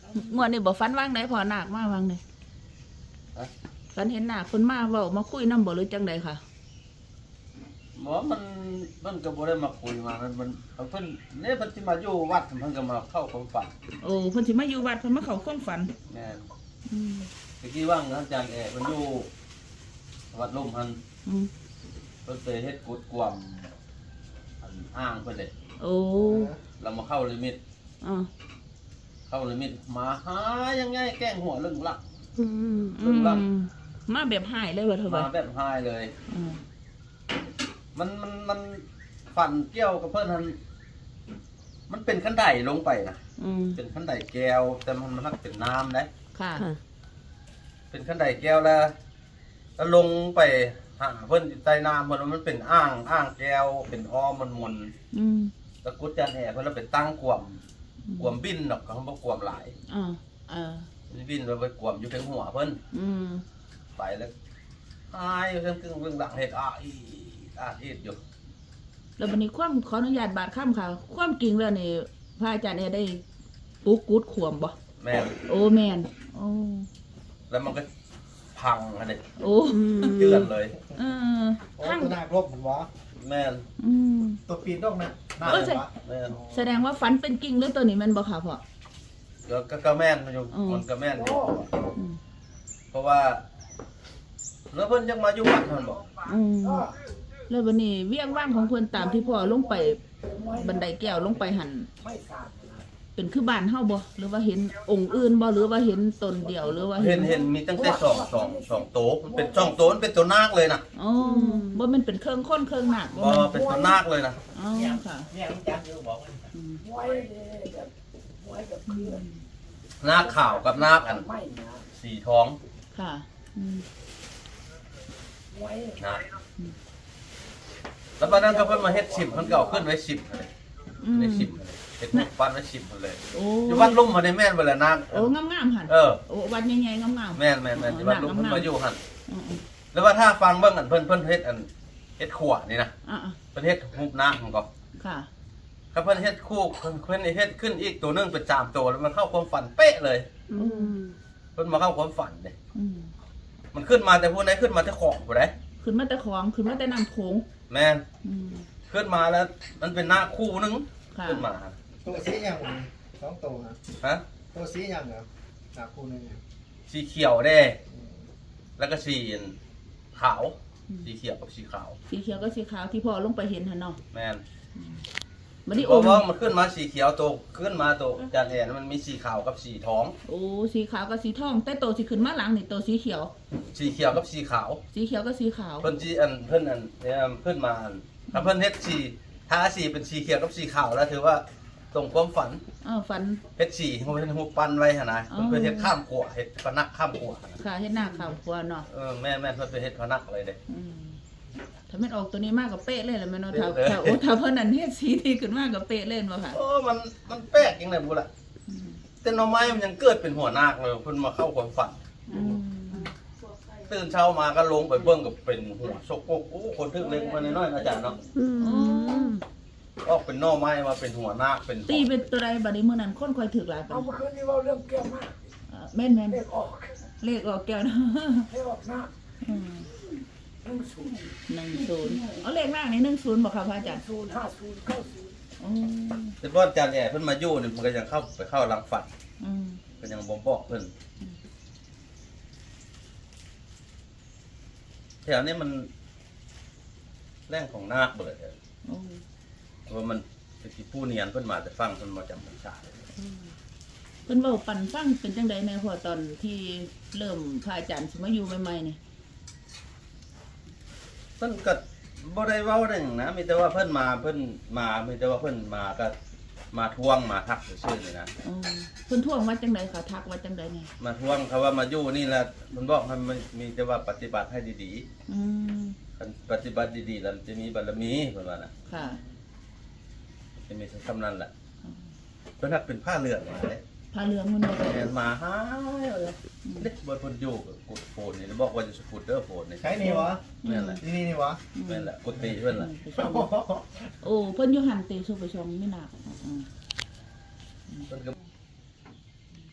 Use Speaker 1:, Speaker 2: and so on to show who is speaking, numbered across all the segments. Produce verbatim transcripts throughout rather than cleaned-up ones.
Speaker 1: งวดนี้บ่ฟันว่างได้พอหนักมากว่างเลยฟันเห็นหนักคนมาเว้ามาคุยนำบ่หรือจังใดค่ะ
Speaker 2: หมอมันมันก็บ่ได้มาคุยมามันมันเพิ่นเนี่ยเพิ่นสิมาอยู่วัดเพิ่นก็มาเข้าความฝัน
Speaker 1: โอ้เพิ่นสิมาอยู่วัดเพิ่นมาเข้าความฝัน
Speaker 2: แม่นอืมเมื่อกี้ว่างอาจารย์แอเพิ่นอยู่วัดลุ่มหันอืมเพิ่นไปเฮ็ดกุดกวมอันอ้างเพิ่นเด้โอ้แล้วมาเข้าลิมิตอ่าเข้าลิมิตมาหายังไงแกล้งหัวเรื่องลักอืมเรื่องลัก
Speaker 1: มาแบบหายเลยว่าเธอ
Speaker 2: มาแบบหายเลยอืมมันมันมันฝันเกี่ยวกับเพื่อนมันมันเป็นขั้นไดลงไปนะเป็นขั้นไดแก้วแต่มันมันเป็นน้ำนะค่ะเป็นขั้นไดแก้วแล้วแล้วลงไปหาเพื่อนใต้น้ำมันมันเป็นอ่างอ่างแก้วเป็นอ้อมมันมนแล้วกุญแจแห่เพื่อนเราเป็นตั้งกวมกวมบินหรอกเขาบอกกวมหลายอ่าอ่าบินเราไปกวมอยู่ทั้งหัวเพื่อนไปแล้วหายอยู่ทั้งกึ่งเรื่องหลังเหตุอ่ะอาเอ็ดอยู่
Speaker 1: แล้ววันนี้ความขออนุญาตบาดข้ามค่ะความจริงแล้วนี่พระอาจารย์เนี่ยได้ปุ๊กกุดขวมบ่
Speaker 2: แม่น
Speaker 1: โอ้แม่นโอ้
Speaker 2: แล้วมันก็พังอะไร
Speaker 1: โอ้
Speaker 2: เตือนเลย
Speaker 3: เออพังตัวหนักลบเหมือนวะ
Speaker 2: แม่น
Speaker 3: ตัวปีนต้องนะ
Speaker 1: น่าจะแม่นแสดงว่าฟันเป็นจริงหรือตัวนี้มันบ่ค่ะพ่อ
Speaker 2: ก็ก็แม่นอยู่มันก็แม่นอยู่เพราะว่าแล้วเพิ่นยังมาอยู่วัดมันบอก
Speaker 1: แล้ววันนี้เวียงว่างของเพื่อนตามที่พ่อลงไปบันไดแก้วลงไปหันเป็นคือบ้านเฮาบ่หรือว่าเห็นองค์อื่นบ่หรือว่าเห็นตนเดียวหรือว่า
Speaker 2: เห็นเห็นมีตั้งแต่สองสองสองโต๊ะมันเป็นสองโต๊ะมันเป็นตัวนาคเลยนะ
Speaker 1: อ๋อบ่มันเป็นเครื่องค้นเครื่องหนัก
Speaker 2: บ่เป็นตัวนาคเลยนะ
Speaker 1: อ๋อค่ะ
Speaker 2: นาคขาวกับนาคอันสีทอง
Speaker 1: ค่ะ
Speaker 2: นะแล้วตอนนั้นก็เพิ่นมาเฮ็ดสิบเพิ่นก็เอาขึ้นไว้สิบเลยในสิบเลยเฮ็ดปั้นไว้สิบหมดเลยอยู่วัดลุ่มมาในแม่นบ่ล่ะนาง
Speaker 1: โอ้งามๆหั่น
Speaker 2: เออ
Speaker 1: โอ้วัดใหญ่ๆงาม
Speaker 2: ๆแม่นๆๆอยู่วัดลุ่มเพิ่นมาอยู่หั่นแล้วว่าถ้าฟังเบิ่งอันเพิ่นเพิ่นเฮ็ดอันเฮ็ดขวนี่นะเพิ่นเฮ็ดรูปนางมันก็
Speaker 1: ค่ะ
Speaker 2: ถ้าเพิ่นเฮ็ดคู่เพิ่นเพิ่นเฮ็ดขึ้นอีกตัวนึงเป็นสามตัวแล้วมันเข้าความฝันเป๊ะเลยอืมเพิ่นมาเข้าความฝันเด้อืมมันขึ้นมาแต่ผู้ใดขึ้นมาแต่ของผู้ใด
Speaker 1: ขึ้นมาแต่ของขึ้นมาแต่น้ำโขง
Speaker 2: แม่นขึ้นมาแล้วมันเป็นหน้าคู่นึงขึ้นมา
Speaker 3: ตัวสีอย่างสองตัวนะ
Speaker 2: ฮะ
Speaker 3: ตัวสีอย่างเหรอหน้าคู่นึง
Speaker 2: สีเขียวเด้แล้วก็สีขาวสีเขียวกับสีขาว
Speaker 1: สีเขียวก็สีขาวที่พ่อลงไปเห็นหันเนาะ
Speaker 2: แม่น
Speaker 1: มันนี่
Speaker 2: โอ้เพราะมันขึ้นมาสีเขียวตัวขึ้นมาตัวจานแอนมันมีสีขาวกับสีทอง
Speaker 1: โอ้สีขาวกับสีทองแต่ตัวสีขึ้นมาหลังนี่ตัวสีเขียว
Speaker 2: สีเขียวกับสีขาว
Speaker 1: สีเขียวกับสีขาว
Speaker 2: เพิ่นจีอันเพิ่นอันเนี่ยเพิ่นมาถ้าเพิ่นเฮ็ดสีถ้าสีเป็นสีเขียวกับสีขาวแล้วถือว่าตรงความฝัน
Speaker 1: อ๋อฝัน
Speaker 2: เฮ็ดสีเขาเป็นหูปั้นไว้หั่นนะเพิ่นเพิ่นเฮ็ดข้ามขวเฮ็ดพนักข้ามขว
Speaker 1: ค่ะเฮ็ดหน้าข้ามขวเนาะ
Speaker 2: เออแม่แม่เพิ่นไปเฮ็ดพนักเลยเด้
Speaker 1: ถ้าแม่นออกตัวนี้มากกับเป๊ะเลยแหละแม่เนาะถ้าถ้าโอ้ถ้าเพิ่นนั่นเฮ็ดสีที่ขึ้นมากกับเป๊ะเล่นบ่ค่ะ
Speaker 2: โอ้มันมันแปลกจังได๋บ่ล่ะแต่หน่อไม้มันยังเกิดเป็นหัวนาคเลยเพิ่นมาเข้าความฝันตื่นเช้ามาก็ลงไปเบิ่งกับเป็นหัวชกโกโอ้คนทึกเล็กมาน้อยๆอาจารย์เนาะออกเป็นหน่อไม้มาเป็นหัวนาคเป็น
Speaker 1: ตีเป็นตัวใดบัดนี้มื้อนั้นคนค่อยถึกหลายปาน
Speaker 3: เอาเมื่อคืนนี้เว้าเรื่องแก้วมาก
Speaker 1: แม่นๆเลขออกเลขออกแก้วนะ
Speaker 3: เลขออกนาคหนึ่งศูนย์
Speaker 1: หนึ่งศูนย์เอาเลขล่างนี่หนึ่งศูนย์บอกค่ะพระอาจารย์
Speaker 3: ศูนย์ห้าศูนย์เก้าศูนย์
Speaker 2: แต่พ่ออาจารย์เนี่ยเพิ่นมาอยู่เนี่ยมันก็ยังเข้าไปเข้าหลังฝันก็ยังบ่บอกเพิ่นแถวนี้มันแรงของนาคเบิดเลยว่ามันเป็นที่ผู้เนียนเพิ่นมาแต่ฟังเพิ่นมาจำพรรษา
Speaker 1: เพิ่นเว้าปั่นฟังเป็นจังได๋ในพอตอนที่เริ่มพระอาจารย์สิมาอยู่ใหม่ๆนี่
Speaker 2: เพิ่นก็บ่ได้เว้าได้หยังนะมีแต่ว่าเพิ่นมาเพิ่นมามีแต่ว่าเพิ่นมาก็มาทวงมาทักซื่อๆนี่นะ
Speaker 1: อ๋อเพิ่นทวงว่าจังได๋ค่ะทักว่าจังได๋นี่
Speaker 2: มาทวงเขาว่ามาอยู่นี่แหละเพิ่นบอกให้มันมีแต่ว่าปฏิบัติให้ดีๆอืมคันปฏิบัติดีๆแล้วจะมีบารมีเพิ่นว่าน่ะค่ะจะมีคำนั้นแหละเพิ่นทักเป็นผ้าเหลืองมาเด้
Speaker 1: ผ้าเหลืองมันบ่
Speaker 2: ได้มาหาเด็กบ่เพิ่นอยู่กดโฟนนี่บอกว่าจะสกูตเตอร์โฟนนี่
Speaker 3: ใช่นี่วะนั่นแหละนี่นี่วะ
Speaker 2: นั่นแหละกดตีเพิ่นล่ะ
Speaker 1: โอ้เพิ่นอยู่หันเตสุไปชงไม่หนักอือเพิ่นก็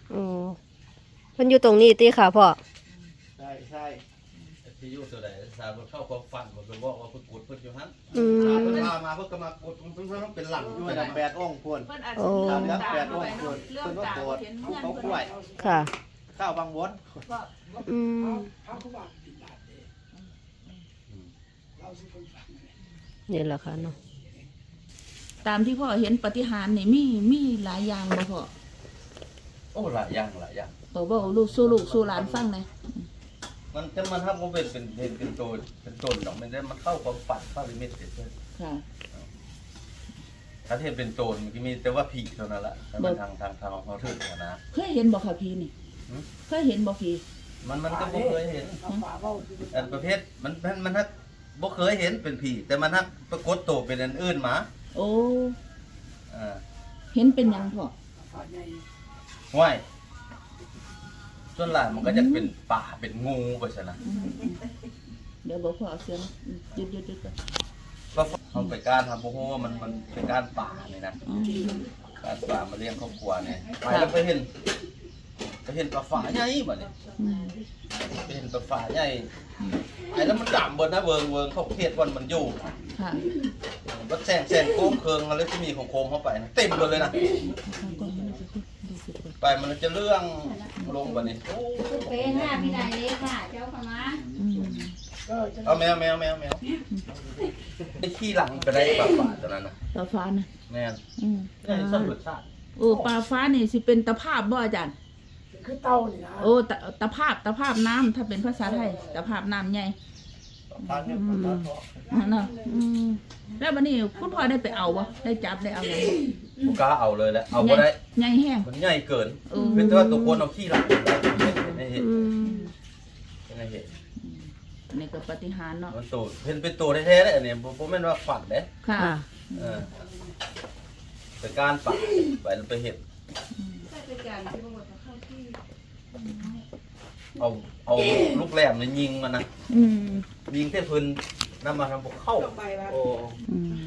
Speaker 4: อ๋อเพิ่นอยู่ตรงนี้ติค่ะพ่อ
Speaker 2: ใช่ใช่ที่อยู่ตัวใดสาวเข้าความฝันมันก็บอกว่าเพิ่นกดเพิ่นอยู่หั่น
Speaker 4: อืม
Speaker 2: เพิ่นพามาเพิ่นก็มากดเพิ่นเพิ่นเป็นหลังอยู่นะแปดองค์พุ่น
Speaker 1: เพิ่นอาจ
Speaker 4: โอ้
Speaker 1: สิ
Speaker 2: เหลือ
Speaker 1: ตาม
Speaker 2: แปด
Speaker 1: เข้า
Speaker 2: อง
Speaker 1: ไป
Speaker 2: ค์
Speaker 1: เนาะ
Speaker 2: พุ่น
Speaker 1: เรื่อง
Speaker 2: เพิ่นก็
Speaker 1: ตาม
Speaker 2: โกรธ
Speaker 1: เห็น
Speaker 2: ภู
Speaker 1: เพื่อน
Speaker 2: เขา
Speaker 1: เพิ่น
Speaker 2: กล้วย
Speaker 4: ค่ะ
Speaker 2: ข้าวบางวน
Speaker 1: ก็
Speaker 4: อืม
Speaker 3: เขาเขาว่าติดบาทเองเราสิคนฟังเนี่ย
Speaker 4: นี่แหละค่ะเนาะ
Speaker 1: ตามที่พ่อเห็นปฏิหารย์นี่มีมีหลายอย่างบ่พ่อ
Speaker 2: โอ้หลายอย่างหลายอย่าง
Speaker 1: บอกว่าลูกสู้ลูกสู้หลานฟังหน่อย
Speaker 2: มันจะมันถ้ามันเป็นเป็นเป็นเป็นโจรเป็นโจรดอกมันได้มันเข้าความฝันเข้าลิมิตเฉย
Speaker 1: ค่ะ
Speaker 2: ๆถ้าเห็นเป็นโจรมันก็มีแต่ว่าผีเท่านั้นแหละแต่มันทางทางทางของเขาถึงนะ
Speaker 1: เคยเห็นบ่ค่ะพี่นี่
Speaker 2: หืม
Speaker 1: เคยเห็นบ่พี่
Speaker 2: มันมันก็บ่เคยเห็น
Speaker 3: เอาฝาเว้าที่
Speaker 2: อันประเภทมันมันมันฮักบ่เคยเห็นเป็นผีแต่มันฮักปรากฏตัวเป็นอันอื่นมา
Speaker 1: โอ้
Speaker 2: อ่า
Speaker 1: เห็นเป็นหยังพ่อ
Speaker 3: ฝาใหญ่
Speaker 2: ห้วยส่วนหลายมันก็จะเป็นป่าเป็นงูไปซะนะ
Speaker 1: อืมเดี๋ยวบอกพ่อเอาเสียงหยุดหยุดหยุดก่อน
Speaker 2: ก็เขาไปการทำบ่ฮู้ว่ามันมันเป็นการป่านี่นะ
Speaker 1: อืม
Speaker 2: การป่ามาเลี้ยงครอบครัวเนี่ยไปแล้วไปเห็นไปเห็นปลาฝาใหญ่บัดนี้
Speaker 1: อืม
Speaker 2: ไปเห็นปลาฝาใหญ่ไอ้แล้วมันดำเบิดนะเวิงเวิงเขาเขตวันมันอยู่
Speaker 1: ค่ะ
Speaker 2: รถแซงแซงโค้งเคิงอะไรที่มีของโคมเข้าไปนะเต็มหมดเลยนะ
Speaker 1: ฟังก่อนมันจะพูดดูสิก่อน
Speaker 2: ไปมันจะเรื่องลงบัดนี้
Speaker 5: เป้ค่ะพี่นายเล็กค่ะ เจ้าค่ะมา
Speaker 1: อืม
Speaker 3: ก็จะ
Speaker 2: เอาแมวแมวแมวแมวไอ้ขี้หลังไปได้ปลาฝาตัวนั้นนะ
Speaker 1: ปลาฟ้านะ
Speaker 2: แม่น
Speaker 1: อืม
Speaker 2: นี่ส้มรสชาติ
Speaker 1: โอ้ปลาฟ้านี่สิเป็นตะภาพบ่อาจารย์
Speaker 3: คือเต้านี่นะ
Speaker 1: โอ้ตะตะภาพตะภาพน้ำถ้าเป็นภาษาไทยตะภาพน้ำใหญ่
Speaker 2: ปลาเนี่ยปลาทอด
Speaker 1: อ่าเนาะอืมแล้ววันนี้คุณพ่อได้ไปเอาบ่ได้จับได้เอาอย่าง
Speaker 2: ผู้กล้าเอาเลยแหละเอาบ่ได้
Speaker 1: ใหญ่แห้ง
Speaker 2: มันใหญ่เกิน
Speaker 1: เออ
Speaker 2: เป็นแต่ว่าตัวคนเอาขี้หลังไปไม่เห็น
Speaker 4: อืม
Speaker 2: ไม่เห็น
Speaker 1: นี่ก็ปฏิหารย์เนาะ
Speaker 2: มันตัวเป็นเป็นตัวแท้ๆเลยอันนี้ผมแม่นว่าฝันเด้
Speaker 1: ค่ะ
Speaker 4: ค่ะ
Speaker 2: เออเป็นการปักไปไปเห็น
Speaker 5: เป็นการที่บอกว่าเข้าที่
Speaker 2: เอาเอาลูกแหลมเนี่ยยิงมันนะ
Speaker 1: อืม
Speaker 2: ยิงเท่พื้นนำมาทำพวกเข้าโอ้
Speaker 1: อืม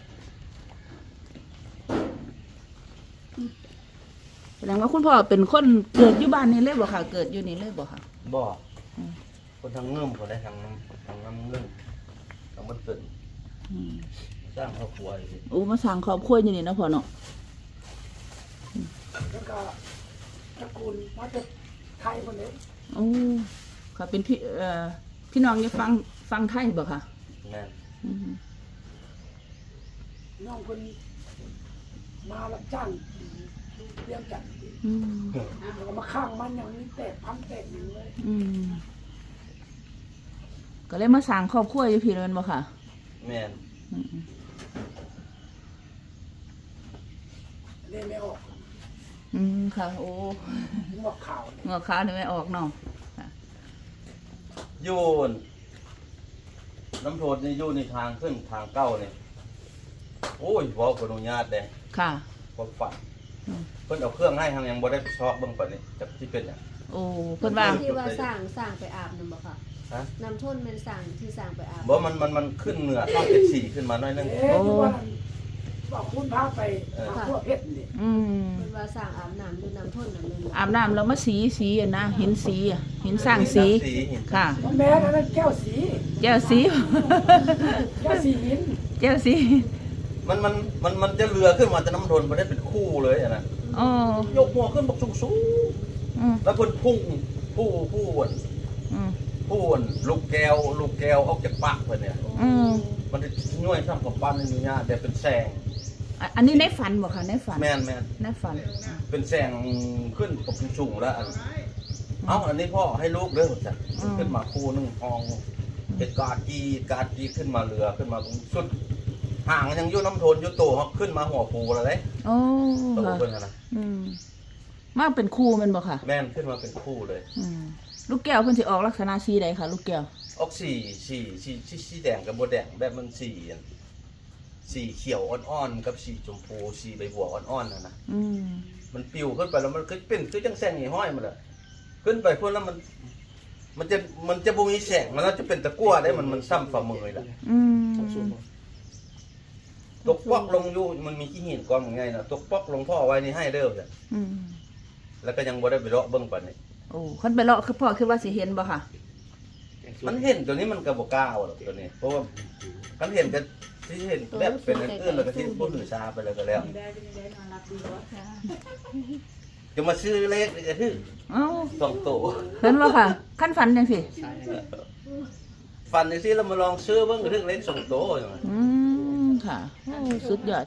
Speaker 1: แสดงว่าคุณพ่อเป็นคนเกิดอยู่บ้านนี้เลยบ่ค่ะ เกิดอยู่นี่เลยบ่ค่ะ
Speaker 2: บ่คนทางเงื่อมคนได้ทางน้ำทางน้ำเงื่อมทางมันตื่น
Speaker 1: อืม
Speaker 2: สร้างครอบครัวอยู่
Speaker 1: โอ้มาสั่งครอบครัวอยู่นี่เนาะพ่อเนาะ
Speaker 3: แล้วก็ตระกูลมาจากไทยคนนี้
Speaker 1: โอ้ค่ะเป็นพี่เอ่อพี่น้องจะฟังฟังไทยบ่ค่ะ
Speaker 2: แม่น
Speaker 1: อืม
Speaker 3: น้องคนมารับจ้างเลี้ยงจัด
Speaker 1: อืม
Speaker 3: แล้วก็มาข้างมันอย่างนี้แตกพันแตกหนึ่งเลย
Speaker 1: อืมก็เลยมาสั่งครอบครัวอยู่พี่เลยแม่นบ่ค่ะ
Speaker 2: แม่น
Speaker 1: อืม
Speaker 3: เล่นไม่ออก
Speaker 1: อืมค่ะ โอ้
Speaker 3: งอกข่าว
Speaker 1: เงาขาวนี่ไม่ออกเนาะ
Speaker 2: โยนน้ำโทษนี่โยนในทางขึ้นทางเก้าเนี่ยโอ้ยเว้าขออนุญาตเด้
Speaker 1: ค่ะ
Speaker 2: ความฝัน
Speaker 1: อืม
Speaker 2: เพิ่นเอาเครื่องให้ทางยังบ่ได้ไปชอบเบิ่งปานนี้จักที่เป็นหยัง
Speaker 1: โอ้เพิ่นว่า
Speaker 4: ที่ว่าสร้างสร้างไปอาบนั่นบ่ค่ะ
Speaker 2: ฮะ
Speaker 4: น้ำท่นเป็นสร้างที่สร้างไปอาบ
Speaker 2: บ่มันมันมันขึ้นเหนือช่องเจ็ดสี่ขึ้นมาหน่อยนึง
Speaker 3: เอ๊ะทุกวันบอกคุณพาไปหาพวกเพชรนี่
Speaker 1: อืม
Speaker 4: เพิ่นว่าสร้างอาบน้ำด้วยน้ำท่นนั่นเลย
Speaker 1: อาบน้ำแล้วมาสีสีอ่ะนะหินสีอ่ะหินสร้างสี
Speaker 2: สีหิน
Speaker 1: ค่ะ
Speaker 3: มันแม้นะนั่นแก้วสี
Speaker 1: แก้วสี
Speaker 3: แก้วสีหิน
Speaker 1: แก้วสี
Speaker 2: มันมันมันมันจะเรือขึ้นมาแต่น้ำทนบ่ได้เป็นคู่เลยอะนะ
Speaker 1: อ๋อย
Speaker 2: กหัวขึ้นบักสูงสูง
Speaker 1: อืม
Speaker 2: แล้วเพิ่นพุ่งผู้ผู้อ้วน
Speaker 1: อืม
Speaker 2: ผู้อ้วนลูกแก้วลูกแก้วออกจากปากเพิ่นเนี่ย
Speaker 1: อืม
Speaker 2: มันจะย่อยซ้ำกับปั้นในนี้แต่เป็นแสง
Speaker 1: อ่ะอันนี้ในฝันบ่ค่ะในฝัน
Speaker 2: แม่นแม่น
Speaker 1: ในฝัน
Speaker 2: เป็นแสงขึ้นปกสูงแล้วอันเอ้าอันนี้พ่อให้ลูกเด้อจ้ะขึ้นมาคู่หนึงทองเป็นกาจีกาจีขึ้นมาเรือขึ้นมาตรงสุดห่างยังอยู่น้ำทนอยู่โตครับขึ้นมาหัวปูแล้วเด้
Speaker 1: โอ้
Speaker 2: ตัว
Speaker 1: ค่ะ
Speaker 2: เพิ่นน่ะนะ
Speaker 1: อืมมาเป็นครูแมันบ่ค่ะ
Speaker 2: แม่นขึ้นมาเป็นคู่เลย
Speaker 1: อืมลูกแก้วเพิ่นสิออกลักษณะสีใดค่ะ ลูกแก้ว
Speaker 2: ออกสีสีสีสีสีแดงกับบัวแดงแบบมันสีอันสีเขียวอ่อนๆกับสีชมพูสีใบบัวอ่อนๆน่ะนะ
Speaker 1: อืม
Speaker 2: มันปิวขึ้นไปแล้วมันก็เป็นคือจังแสงหีห้อยมันเลยขึ้นไปพุ่นแล้วมัน มันจะมันจะบ่มีแสงมันแล้วจะเป็นตะกั่วได้มันมันซ้ำฝ่ามือเลยล่ะ
Speaker 1: อืม
Speaker 2: ตกปอกลงอยู่มันมีขี้หินกองง่ายนะตกปอกลงพ่อไว้นี่ให้เด้อจ้ะ
Speaker 1: อืม
Speaker 2: แล้วก็ยังบ่ได้ไปเลาะเบิ่งปานนี้
Speaker 1: โอ้คันไปเลาะคือพ่อคือว่าสิเห็นบ่ค่ะ
Speaker 2: มันเห็นตัวนี้มันก็บ่กล้าเอาหรอกตัวนี้เพราะว่าคันเห็นก็สิเห็นแบบเป็นอันอื่นแล้วก็สิบ่หือชาไปแล้วก็แล้วจะมาซื้อเลขนี่ก็คือ
Speaker 1: เอ้า
Speaker 2: สองโต
Speaker 1: เห็นบ่ค่ะคันฝันจังซี่
Speaker 2: ฟันจังซี่แล้วมาลองซื้อเบิ่งก็ถึงเลขสองโตจัง
Speaker 1: อืมค่ะโอ้สุดยอด